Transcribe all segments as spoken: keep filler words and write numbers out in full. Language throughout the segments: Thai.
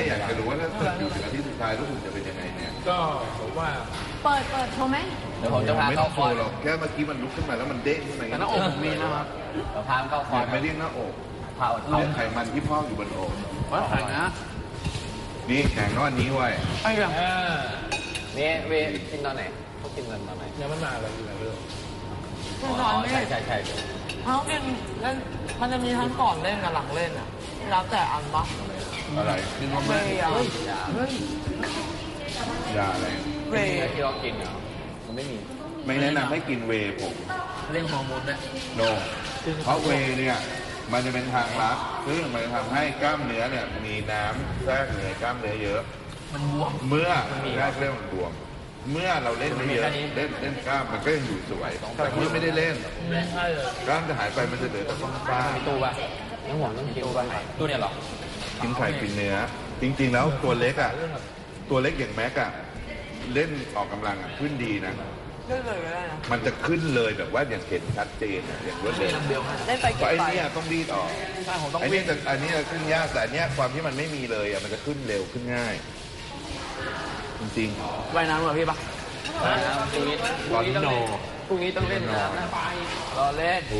อยากจะรู้ว่าถ้าเกิดอยู่ถึงอาทิตย์สุดท้ายแล้วคุณจะเป็นยังไงเนี่ยก็ผมว่าเปิดเปิดโชว์ไหมเดี๋ยวผมจะพาเข้าคอร์สหรอกแค่เมื่อกี้มันลุกขึ้นมาแล้วมันเด้งขึ้นมาแต่หน้าอกผมมีนะครับเดี๋ยวพาเข้าคอร์สไม่เรียกหน้าอกพาอดเรียกไขมันที่พอกอยู่บนอกว่าแข็งนะนี่แข็งก้อนนี้ไว้ไอ้ยังนี่เวกินตอนไหนเขากินตอนไหนยังไม่มาเลยอยู่ไหนเรื่องใช่ใช่ใช่เขากินเล่นมันจะมีทั้งก่อนเล่นกับหลังเล่นอ่ะแล้วแต่อันปะอะไรกินว่าไม่ยาเฮ้ยยาอะไรเวที่เรากินเหรอมันไม่มีไม่แนะนำให้กินเวผมเรื่องฮอร์โมนไหมโนเพราะเวเนี่ยมันจะเป็นทางลัดซึ่งมันจะทำให้กล้ามเนื้อเนี่ยมีน้ำแทรกอยู่ในกล้ามเนื้อเยอะมันบวมเมื่อแรกเริ่มมันบวมเมื่อเราเล่นไม่เยอะเล่นเล่นกล้ามมันก็ยังอยู่สวยแต่เมื่อไม่ได้เล่นกล้ามจะหายไปมันจะเหลือแต่ฟ้าตู้ป่ะน้ำหอมต้องกินตู้ป่ะตู้เนี่ยหรอกินไข่กินเนื้อจริงๆแล้วตัวเล็กอ่ะตัวเล็กอย่างแม็กอ่ะเล่นออกกำลังอ่ะขึ้นดีนะมันจะขึ้นเลยแบบว่าอย่างเห็นชัดเจนอย่างรวดเร็วได้ไปไอ้นี่ต้องรีดออกไอ้นี่แต่อันนี้ขึ้นยากแต่อันนี้ความที่มันไม่มีเลยอ่ะมันจะขึ้นเร็วขึ้นง่ายจริงๆว่ายน้ำเหรอพี่ปะว่ายน้ำพรุ่งนี้ตอนนี้โนพรุ่งนี้ต้องเล่นน้ำไปรอเล่น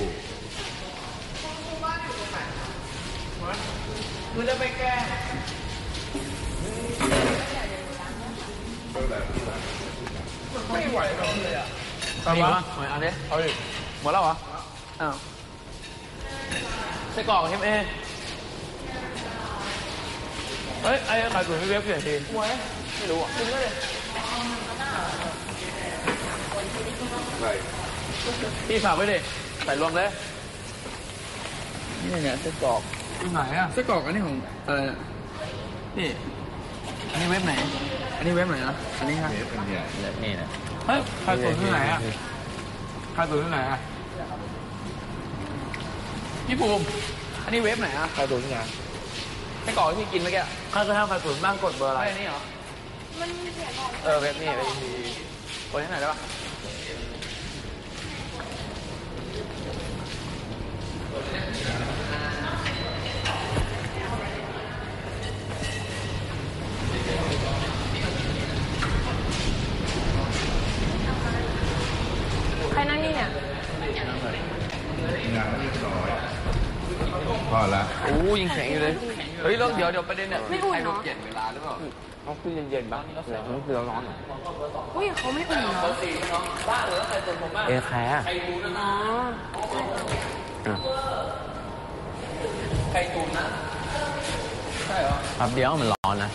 มึงจะไปแก้ไม่ไหวเลยอ่ะเอาวะเอาดิเอาดิหมดแล้วเหรออ้าวไส้กรอกเอ็มเอเฮ้ยไอ้ไข่ตุ๋นพี่เวฟเปลี่ยนทีไม่รู้อ่ะกินได้เลยพี่ฝากไว้ดิใส่รวมเลยนี่เนี่ยไส้กรอกที่ไหนอ่ะไส้กรอกอันนี้ของเออนี่อันนี้เว็บไหนอันนี้เว็บไหนนะอันนี้ครับเว็บอันใหญ่นี่นะเฮ้ยไข่ตุ๋นที่ไหนอ่ะไข่ตุ๋นที่ไหนอ่ะพี่ภูมิอันนี้เว็บไหนอ่ะไข่ตุ๋นที่ไหนไส้กรอกที่กินเมื่อกี้ข้าวกระทะไข่ตุ๋นบ้างกดเบอร์อะไรนี่เหรอมันมีเสียงเออเว็บนี่เว็บนี้กดที่ไหนได้ปะใครนั่งนี่เนี่ยงานเรียบร้อยพอละโอ้ยิงแข็งอยู่เลยเฮ้ยแล้วเดี๋ยวเดี๋ยวประเด็นเนี่ยไม่อุ่นเนาะเย็นเวลาหรือเปล่าเขาคือเย็นๆบ้างแล้วเขาคือร้อนอุ้ยเขาไม่อุ่นเนาะบ้าเหรอใครตุนผมบ้างเอแคร์ใครตุนนะใครตุนนะใช่เหรอครับเดี๋ยวมันร้อนนะ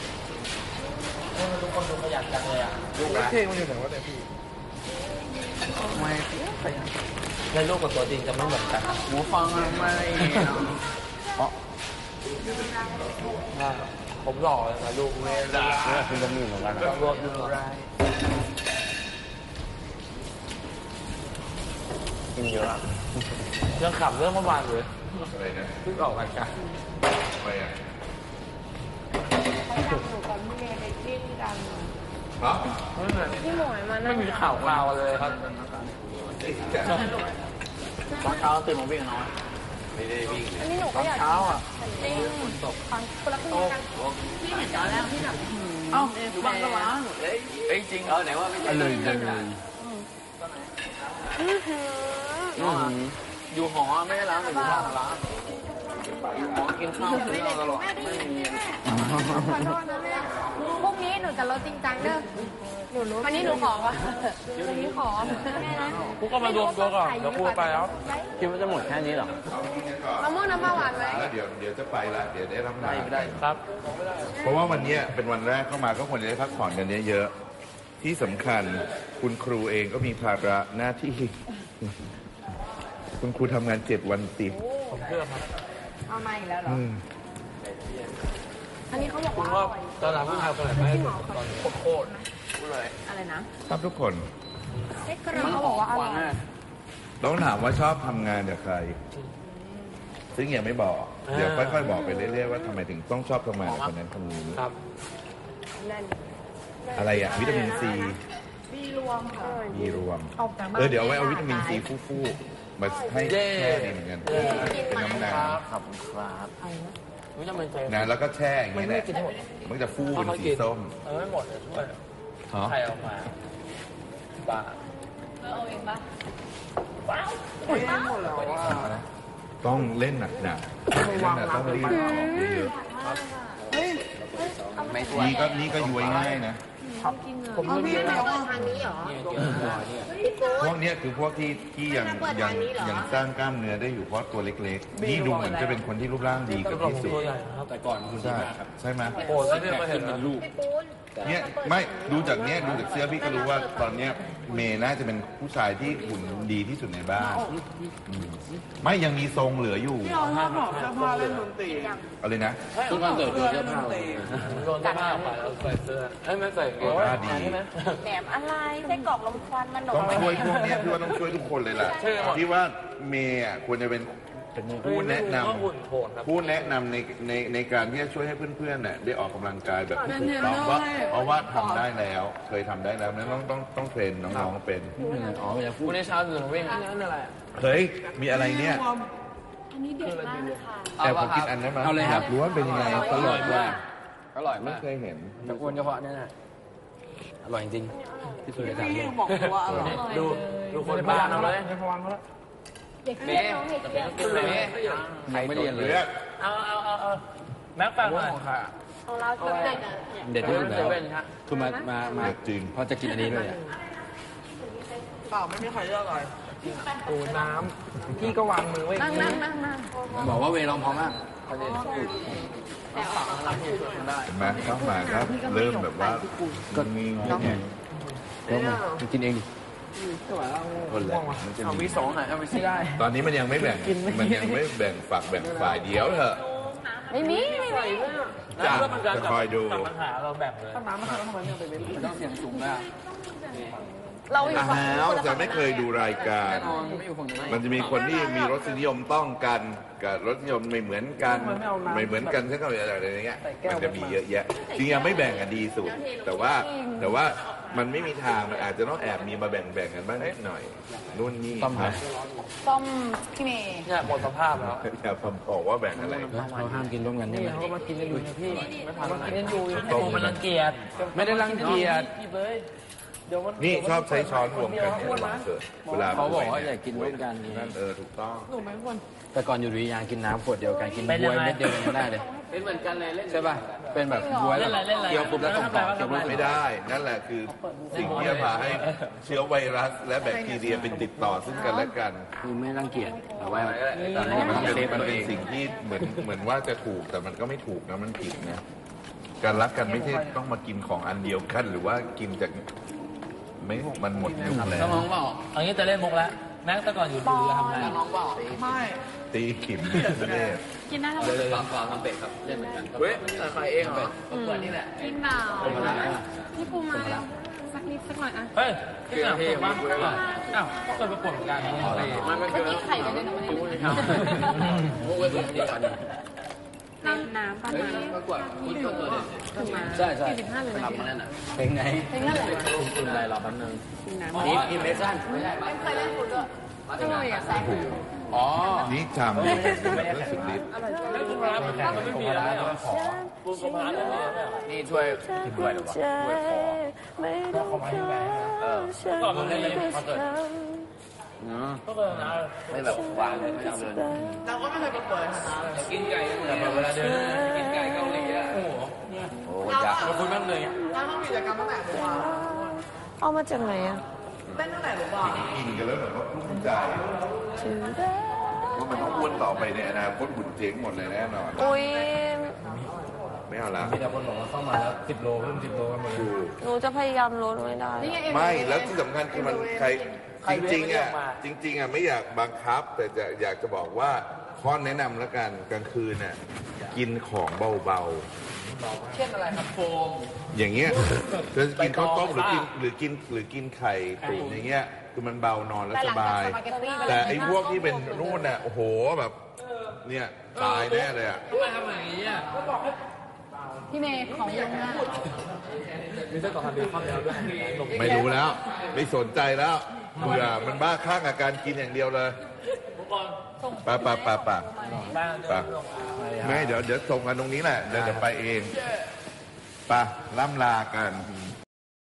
ทุกคนดูขยันจังเลยอ่ะลูกเพลงมันอยู่ไหนวะเนี่ยพี่ไม่ในโลกกับตัวจริงจะไม่เหมือนกันหูฟังไม่เพราะผมหล่อเลยนะลูกแม่ด่าคุณจะมีเหมือนกันนะรวบดูไรกินเยอะเรื่องขับเรื่องเมื่อวานเลยอะไรนะเพิ่งออกรายการไปอ่ะเขาดังหนูกับพี่เมย์ในที่ที่ดังครับพี่หมวยมานั่งไม่มีข่าวข่าวเลยครับตอนเช้าตื่นมาวิ่งน้อยไม่ได้วิ่งอันนี้หนูก็อยากเช้าอ่ะจริงฟังคนละครึ่งกันพี่เห็นตอนแรกที่แบบเอ้าอยู่บ้านก็ร้านเอ้ยจริงเออไหนว่าไม่ใช่เลยเลยอยู่หอไม่ได้ร้านแต่อยู่บ้านร้านอยู่หอกินข้าวกินข้าวตลอดไม่มีพวกนี้หนูจะลดจริงจังเด้อหนูรู้วันนี้หนูขอว่ะวันนี้ขอแม่นะกูก็มารวมตัวก่อนเดี๋ยวกูไปแล้วคิดว่าจะหมดแค่นี้หรอมะม่วงน้ำปลาหวานไหมเดี๋ยวเดี๋ยวจะไปละเดี๋ยวได้รับงานได้ครับเพราะว่าวันนี้เป็นวันแรกเข้ามาก็ควรจะได้พักผ่อนกันเยอะๆที่สำคัญคุณครูเองก็มีภาระหน้าที่คุณครูทำงานเจ็ดวันติดผมเชื่อครับเอามาอีกแล้วเหรออันนี้เขาบอกว่าตอนหลังผู้ชายคนไหนไม่ตอนโคตรเลยอะไรนะชอบทุกคนเขาบอกว่าอร่อยต้องถามว่าชอบทำงานกับใครซึ่งยังไม่บอกเดี๋ยวค่อยๆบอกไปเรื่อยๆว่าทำไมถึงต้องชอบทำงานกับคนนั้นคนนี้อะไรอะวิตามินซีบีรวมค่ะบีรวมเออเดี๋ยวไว้เอาวิตามินซีฟู่ๆมาให้แค่นี้เหมือนกันเป็นน้ำหนักครับครับนะแล้วก็แช่อย่างนี้แหละมันจะฟูเป็นสีส้มเออไม่หมดเลยช่วยฮะใครเอามาบ้าเอาเองปะต้องเล่นหนักหนักเล่นหนักต้องรีบออกเยอะๆนี่ก็นี่ก็ย้วยง่ายนะผมไม่ได้เอาทางนี้เหรอพวกเนี้ยคือพวกที่ที่ยังยังยังสร้างกล้ามเนื้อได้อยู่เพราะตัวเล็กๆนี่ดูเหมือนจะเป็นคนที่รูปร่างดีกับที่สุดแต่ก่อนคุณใช่ใช่ไหมโอ้ยไม่ได้มาเห็นเป็นลูกเนี่ยไม่ดูจากเนี้ยดูจากเสื้อพี่ก็รู้ว่าตอนเนี้ยเมย์น่าจะเป็นผู้ชายที่หุ่นดีที่สุดในบ้านอืมไม่ยังมีทรงเหลืออยู่ห้าหอกเสื้อผ้าเล่นดนตรีเอาเลยนะทุกคอนเสิร์ตดูเสื้อผ้าโดนเสื้อผ้าออกไปแล้วใส่เสื้อเอ้ยไม่ใส่เกงหน้าดีแหนมอะไรไส้กรอกลมควันมันต้องช่วยพวกเนี้ยพี่ว่าต้องช่วยทุกคนเลยล่ะพี่ว่าเมย์อ่ะควรจะเป็นผู้แนะนำหุ่นโผล่ครับผู้แนะนำในในในการที่จะช่วยให้เพื่อนๆเนี่ยได้ออกกำลังกายแบบที่ถูกต้องว่าเพราะว่าทำได้แล้ว เคยทำได้แล้วนั้นต้องต้องต้องเทรนน้องๆเป็นอ๋อมันจะพูวัดนนี้เช้าตื่นมาวิ่งนั่นอะไรเฮ้ยมีอะไรเนี่ยอันนี้เด็ดมากค่ะแอบขอกินอันได้ไหมเอาเลยครับรู้ว่าเป็นยังไงอร่อยมากอร่อยไม่มากเคยเห็นแต่อ้วนเฉพาะเนี่ยนะอร่อยจริงที่สุดในสามโลกดูดูคนบ้านเอาเลยเด็กเรียนน้องเด็กเรียนกินเลยใครไม่เรียนเลยเอาเอาเอาเอาแม็กฟังหน่อยของเราจะเด็กอ่ะเด็ดที่สุดแล้วเป็นฮะคือมามามาเด็ดจริงเพราะจะกินอันนี้ด้วยอะเปล่าไม่มีใครเลือกอะไรโอ้น้ำพี่ก็วางมือไว้นั่งนั่งนั่งนั่งบอกว่าเวลองพอมากเห็นไหมเข้ามาครับเริ่มแบบว่าก็มีแข่งแล้วมากินเองดิคนแหละมันจะเอามีวีสองหายเอาไปไม่ได้ตอนนี้มันยังไม่แบ่งมันยังไม่แบ่งฝักแบ่งฝ่ายเดียวเถอะไม่มีไม่มีจ้ะจะคอยดูปัญหาเราแบ่งเลยน้ำมันทำไมไม่ไปเว้นต้องเสียงสูงมากเราอยู่อ้ฝั่งาวจะไม่เคยดูรายการแน่นอนไม่อยู่ฝั่งนี้มันจะมีคนที่มีรสนิยมต้องกันกับรสนิยมไม่เหมือนกัน ไม่เหมือนกันเช่นกันอะไรอย่างเงี้ยมันจะมีเยอะแยะจริงๆไม่แบ่งกันดีสุด แต่ว่าแต่ว่ามันไม่มีทางมันอาจจะต้องแอบมีมาแบ่งแบ่งกันบ้างนิดหน่อยนู่นนี่ต้อมคครัรับบต้มพี่เมย์เนี่ยหมดสภาพแล้วอย่าผมบอกว่าแบ่งอะไรเราห้ามกินร่วมกันใช่ไหมเขาก็มากินกันอยู่นะพี่ไม่ผ่านมากินกันอยู่โตมันรังเกียจไม่ได้รังเกียจพี่เบ้ยเดี๋ยวมันนี่ชอบใช้ช้อนรวมกันเนี่ยวันเกิดเวลาเขาบอกว่าอย่ากินร่วมกันนั่นเออถูกต้องแต่ก่อนอยู่ดุริยางค์กินน้ำขวดเดียวกันกินบวยเม็ดเดียวกันไม่ได้เลยเป็นเหมือนกันเลยเล่นใช่ป่ะเป็นแบบบวยแบบเคี้ยวปุ๊บแล้วส่งต่อเคี้ยวปุ๊บไม่ได้ นั่นแหละคือสิ่งที่จะพาให้เชื้อไวรัสและแบคทีเรียเป็นติดต่อซึ่งกันและกันคือไม่รังเกียจแต่ว่าตอนมันี้นมันต้องเป็นเซฟมันตัวเป็เอน งสิ่งที่เหมือนเหมือนว่าจะถูกแต่มันก็ไม่ถูกนะมันผิดนะ การรักกันไม่ใช่ต้องมากินของอันเดียวกันหรือว่ากินจากไม่มันหมดยุคแล้วน้องเปล่าเอางี้จะเล่นมุกแล้วแม็กแต่ก่อนอยู่ดูทำไงน้องเปล่าไม่ตีขิมเน่กินได้ทั้งหมเลดยเลยฝากทำเป็ดครับเล่นเหมือนกันเว้ยใครเองเหรอเปิดนี่แหละกินเปล่าพี่ปูมาแล้วสักนิดสักหน่อยอ่ะเฮ้ยที่สนามสุขบ้างอ้าวก็เคยประกวดเหมือนกันมันมันเมื่อกี้ไข่กันด้วยนะวันนี้มุกไว้ตัวนี้กันน้ำน้ำตอนนี้ประกวดคุณก็ตัวถึงมาใช่ใช่สี่สิบห้าเลยทำมานั่นน่ะเพลงไหนเพลงนั่นแหละคุณอะไรรอแป๊บนึงนี่นี่เมสันไม่ใช่เคยเล่นฟุตด้วยก็เลยอ่ะแซงอ๋อนี่ทำแบบสุดฤทธิ์แล้วคุณพระมันไม่มีแล้วขอคุณพระไม่มีแล้วนี่ช่วยช่วยหรือเปล่าช่วยขอขอมาที่แบงค์เออก่อนมันเล่นคอนเสิร์ตเนาะก็เคยนะไม่แบบวางเลยไม่เอาเลยเราก็ไม่เคยประกวดนะกินไก่แต่เวลาเดินกินไก่เกาหลีอ่ะโอ้โหโอ้ยากคุณแม่เลยอ่ะเอามาจากไหนอ่ะกินกันแล้วเหมือนว่าภูมิใจว่ามันต้องอ้วนต่อไปในอนาคตหุ่นเจ๊งหมดเลยแน่นอนอุ้ยไม่เอาละมีแต่คนบอกว่าเข้ามาแล้วสิบโลเพิ่มสิบโลกันหมดเลยถูกหนูจะพยายามลดไม่ได้ไม่แล้วที่สำคัญคือมันใครจริงๆอ่ะจริง ๆอ่ะไม่อยากบังคับ แต่จะอยากจะบอกว่าข้อแนะนำแล้วกันกลางคืนน่ะกินของเบาเช่นอะไรครับโฟมๆ อย่างเงี้ยจะกินข้าวต้มหรือกินหรือกินหรือกินไข่ตุ๋นอย่างเงี้ยคือมันเบานอนแล้วสบาย แต่ไอ้พวกที่เป็นนู่นน่ะโอ้โหแบบเนี่ยตายแน่เลยอ่ะทำไมทำอย่างนี้อ่ะพี่เมย์ของเยอะมากมีเส้นต่อทางเดินเข้าแล้วด้วยไม่รู้แล้ว ไม่สนใจแล้วเบื่อมันบ้าคลั่งกับการกินอย่างเดียวเลยทุกคนป่ะป่ะป่ะป่ะป่ะไม่เดี๋ยวเดี๋ยวส่งกันตรงนี้แหละเดี๋ยวเดี๋ยวไปเองป่ะล่ำลากัน